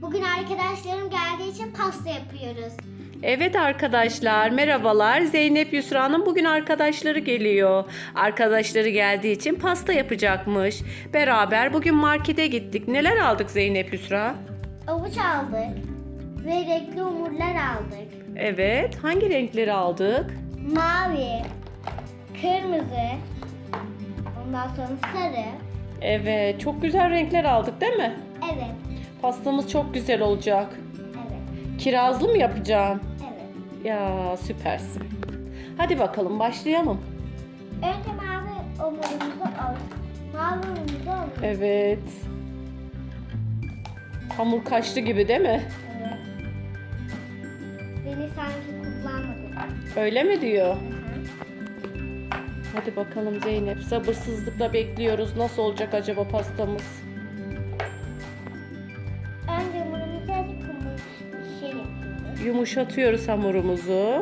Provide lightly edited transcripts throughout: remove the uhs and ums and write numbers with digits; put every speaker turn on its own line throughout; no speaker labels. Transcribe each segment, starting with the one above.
Bugün arkadaşlarım geldiği için pasta yapıyoruz.
Evet arkadaşlar, merhabalar. Zeynep Yusra'nın bugün arkadaşları geliyor. Arkadaşları geldiği için pasta yapacakmış. Beraber bugün markete gittik. Neler aldık Zeynep Yusra?
Avuç aldık ve renkli hamurlar aldık.
Evet, hangi renkleri aldık?
Mavi, kırmızı, ondan sonra sarı.
Evet, çok güzel renkler aldık değil mi?
Evet,
Pastamız çok güzel olacak.
evet,
Kirazlı mı yapacağım?
evet.
Ya süpersin. Hadi bakalım başlayalım.
Önce mavi hamurumuzu aldık. Mavi hamurumuzu aldık.
Evet. Hamur kaşlı gibi değil mi?
Evet. Beni sanki kullanmadı.
Öyle mi diyor?
Hı hı.
Hadi bakalım Zeynep. Sabırsızlıkla bekliyoruz. Nasıl olacak acaba pastamız?
Önce hamurumuzu azıcık yapıyoruz.
Yumuşatıyoruz hamurumuzu.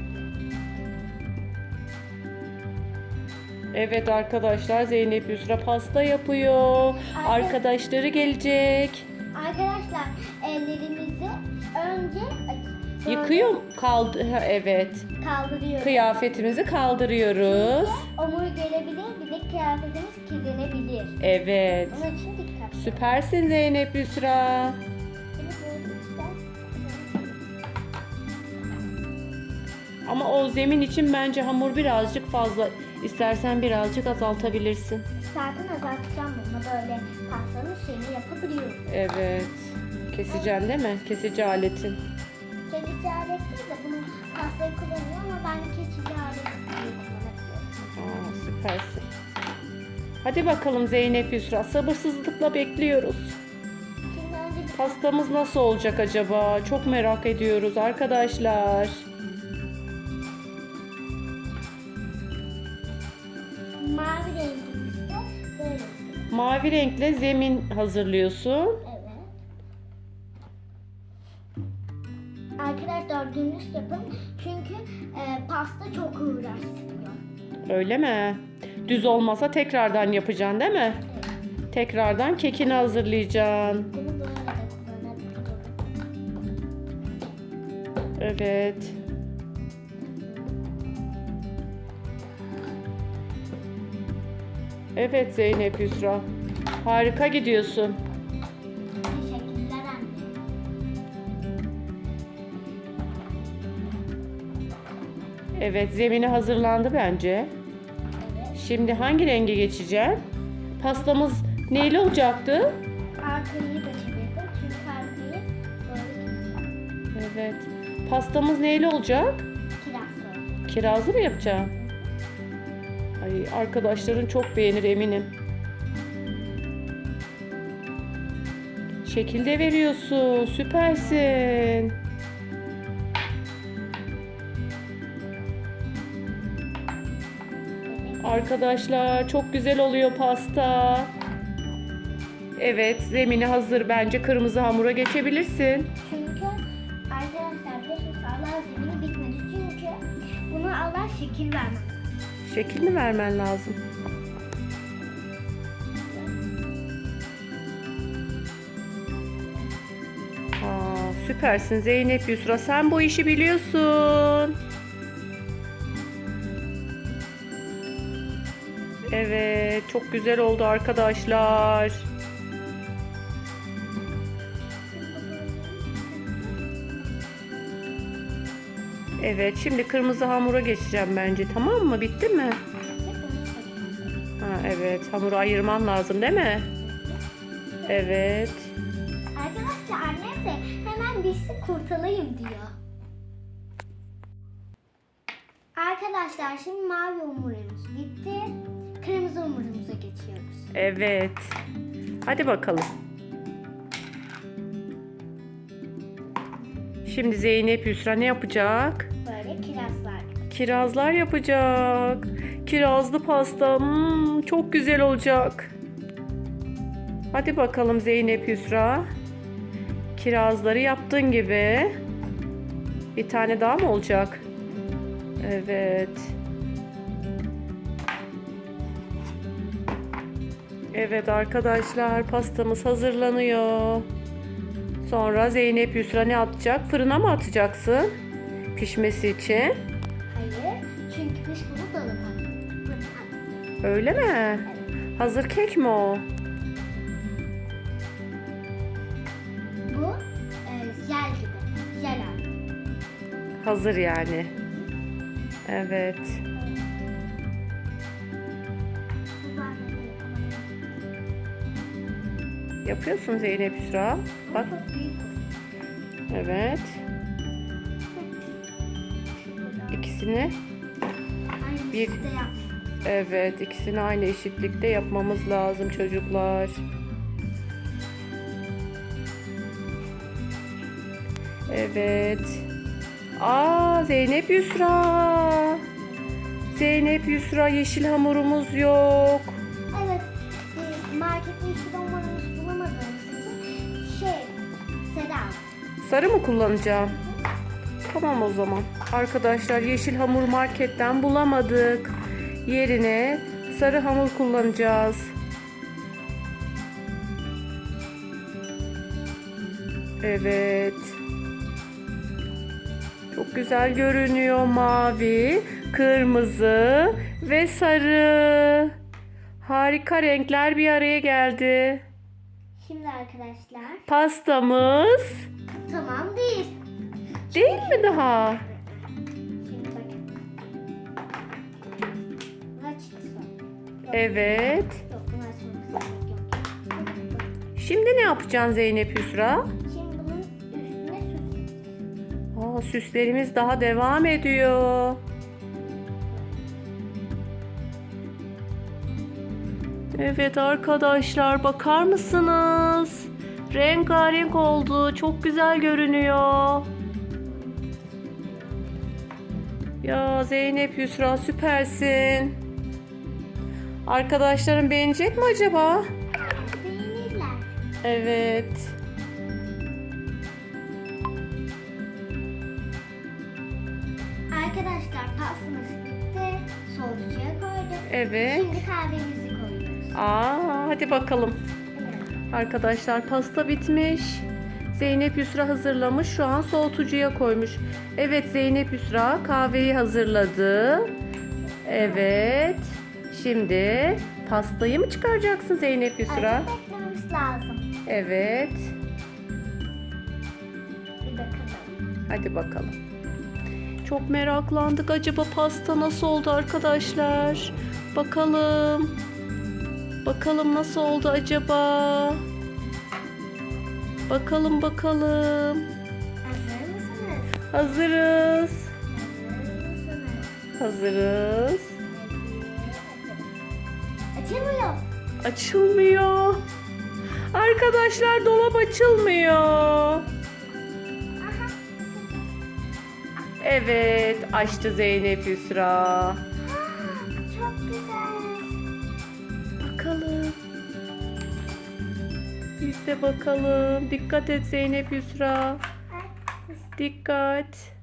Evet arkadaşlar, Zeynep Yusra pasta yapıyor. Arkadaşları gelecek.
Arkadaşlar ellerimizi önce
Yıkıyor evet.
kaldırıyoruz.
Kıyafetimizi kaldırıyoruz.
Hamur gelebilir, bir de kıyafetimiz kirlenebilir.
Evet.
Onun için dikkat.
Süpersin Zeynep Yusra. Ama o zemin için bence hamur birazcık fazla. İstersen birazcık azaltabilirsin.
Zaten azaltacağım bunu, böyle pastanın şeyini yapabiliyorum.
Evet. Keseceksin değil mi? Kesici aletin.
Kesici alet değil de bunu pastayı kullanıyor ama ben kesici alet diye kullanabiliyorum.
Aa, süpersin. Hadi bakalım Zeynep Yusra. Sabırsızlıkla bekliyoruz.
Şimdi önce
Pastamız nasıl olacak acaba? Çok merak ediyoruz arkadaşlar.
mavi rengimizde böyle.
Mavi renkle zemin hazırlıyorsun.
Evet. Arkadaşlar dümdüz yapın çünkü pasta çok uğraştırıyor.
Öyle mi? Düz olmasa tekrardan yapacaksın değil mi?
Evet.
Tekrardan kekini hazırlayacaksın.
Bunu böyle de kullanabilirim.
Evet. Evet Zeynep Yusra. Harika gidiyorsun.
Teşekkürler anne.
Evet, zemini hazırlandı bence.
Evet.
Şimdi hangi renge geçeceğim? Pastamız neyle olacaktı?
Arkayı da çevirdim çünkü arkayı böyle keseceğim.
Evet. Pastamız neyle olacak?
Kirazlı.
Kirazlı mı yapacağım? Ay, arkadaşların çok beğenir eminim. Şekil de veriyorsun. Süpersin. Arkadaşlar çok güzel oluyor pasta. Evet, zemini hazır. Bence kırmızı hamura geçebilirsin.
Çünkü arkadaşlar biliyorsunuz Allah zemini bitmedi. Çünkü bunu Allah şekil vermez.
Şekil mi vermen lazım? Aa, süpersin Zeynep Yusra. Sen bu işi biliyorsun. Evet, çok güzel oldu arkadaşlar. Evet, şimdi kırmızı hamura geçeceğim bence. Tamam mı? Bitti mi? Ha, evet, hamuru ayırman lazım değil mi? Evet.
Arkadaşlar annem de hemen bitsin kurtulayım diyor. Arkadaşlar şimdi mavi hamurumuz bitti. Kırmızı hamurumuza geçiyoruz.
Evet. Hadi bakalım. Şimdi Zeynep Yusra ne yapacak?
Böyle kirazlar.
Kirazlar yapacak. Kirazlı pasta. Çok güzel olacak. Hadi bakalım Zeynep Yusra. Kirazları yaptığın gibi. Bir tane daha mı olacak? Evet. Evet arkadaşlar, pastamız hazırlanıyor. Sonra Zeynep Yusra ne atacak? Fırına mı atacaksın? Pişmesi için.
Hayır. Çünkü biz bunu dolaba atıyoruz.
Öyle mi?
Evet.
Hazır kek mi o?
Bu jel gibi. Jel abi.
Hazır yani. Evet.
Bu bardağı
Yapıyorsun Zeynep Yusra. Bak.
çok büyük.
Evet. İkisini
Aynı
Bir-
işte yap.
evet, ikisini aynı eşitlikte yapmamız lazım çocuklar. Evet. Zeynep Yusra. Zeynep Yusra, yeşil hamurumuz yok.
Evet. Markette yeşil dolmalarımızı bulamadığımız için Seda.
Sarı mı kullanacağım? Tamam o zaman. Arkadaşlar, yeşil hamur marketten bulamadık. Yerine sarı hamur kullanacağız. Evet. Çok güzel görünüyor. Mavi, kırmızı ve sarı. Harika renkler bir araya geldi.
Şimdi arkadaşlar.
Pastamız
Tamam değil.
değil mi daha?
Şimdi bakın. Bunu açıyorsun. Yok,
Evet.
Yok bunu açmamız gerek yok.
Şimdi ne yapacaksın Zeynep Yusra?
Şimdi bunun üstüne süs.
Süslerimiz daha devam ediyor. Evet arkadaşlar, bakar mısınız? Rengarenk oldu. Çok güzel görünüyor. Ya Zeynep Yusra, süpersin. Arkadaşlarım beğenecek mi acaba?
Beğenirler.
Evet.
Arkadaşlar pastamız bitti. Soğutucuya koyduk.
Evet.
Şimdi kahvemizi koyuyoruz.
Hadi bakalım.
Evet.
Arkadaşlar, pasta bitmiş. Zeynep Yusra hazırlamış. Şu an soğutucuya koymuş. Evet, Zeynep Yusra kahveyi hazırladı. Evet. Şimdi pastayı mı çıkaracaksın Zeynep Yusra?
Azıcık beklememiz lazım.
Evet.
Bir bakalım.
Hadi bakalım. Çok meraklandık. Acaba pasta nasıl oldu arkadaşlar? Bakalım. Bakalım nasıl oldu acaba? Bakalım.
Hazır mısınız?
Hazırız.
Hazır mısınız?
Hazırız.
Açılmıyor.
Açılmıyor. Arkadaşlar, dolap açılmıyor.
Aha.
Evet, açtı Zeynep Yusra.
Çok güzel.
Bakalım. Biz de bakalım. Dikkat et Zeynep Yusra. Dikkat.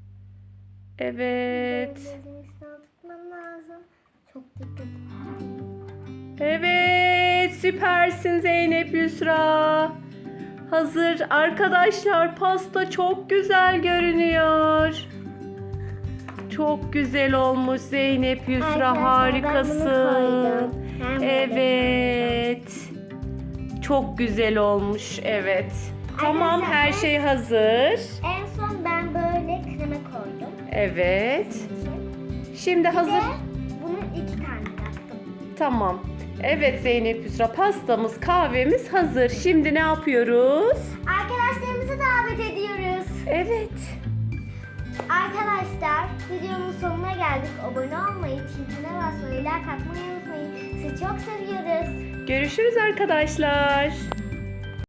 Evet.
Gözünü tutmam lazım. Çok dikkat.
Evet, süpersin Zeynep Yusra. Hazır. Arkadaşlar, pasta çok güzel görünüyor. Çok güzel olmuş Zeynep Yusra.
Arkadaşlar, ben bunu
Harikasın.
koydum. Ben bunu
Evet. Çok güzel olmuş. Evet. Tamam,
Arkadaşlar,
her şey hazır.
En son ben böyle krema koydum.
Evet. Şimdi
Bir de
hazır.
bunun 2 tane yaptım.
Tamam. Evet Zeynep Yusra, pastamız, kahvemiz hazır. Şimdi ne yapıyoruz?
Arkadaşlarımızı davet ediyoruz.
Evet.
Arkadaşlar videonun sonuna geldik. Abone olmayı, çintine basmayı, like atmayı unutmayın. Sizi çok seviyoruz.
Görüşürüz arkadaşlar.